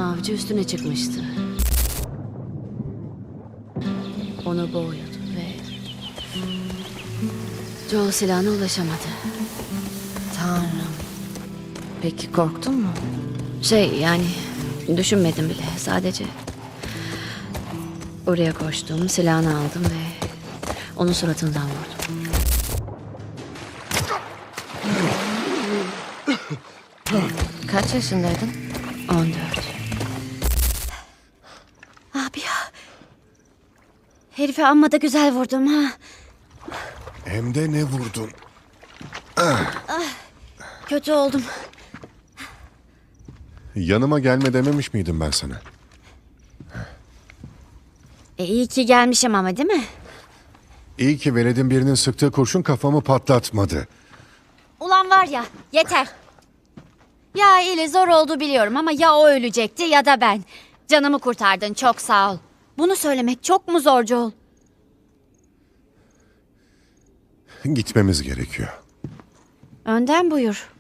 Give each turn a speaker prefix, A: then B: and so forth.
A: avcı üstüne çıkmıştı. Onu boğuyordu ve Joel silahına ulaşamadı.
B: Tanrım. Peki korktun mu?
A: Yani düşünmedim bile. Sadece oraya koştum, silahını aldım ve onun suratından vurdum.
B: Kaç yaşındaydın?
A: 14.
C: Abi ya. Herife amma da güzel vurdum ha.
D: Hem de ne vurdun?
C: Kötü oldum.
D: Yanıma gelme dememiş miydim ben sana?
C: İyi ki gelmişim ama değil mi?
D: İyi ki veledin birinin sıktığı kurşun kafamı patlatmadı.
C: Ulan var ya, yeter. Ya ile zor oldu biliyorum ama ya o ölecekti ya da ben. Canımı kurtardın, çok sağ ol. Bunu söylemek çok mu zor Joel?
D: Gitmemiz gerekiyor.
C: Önden buyur.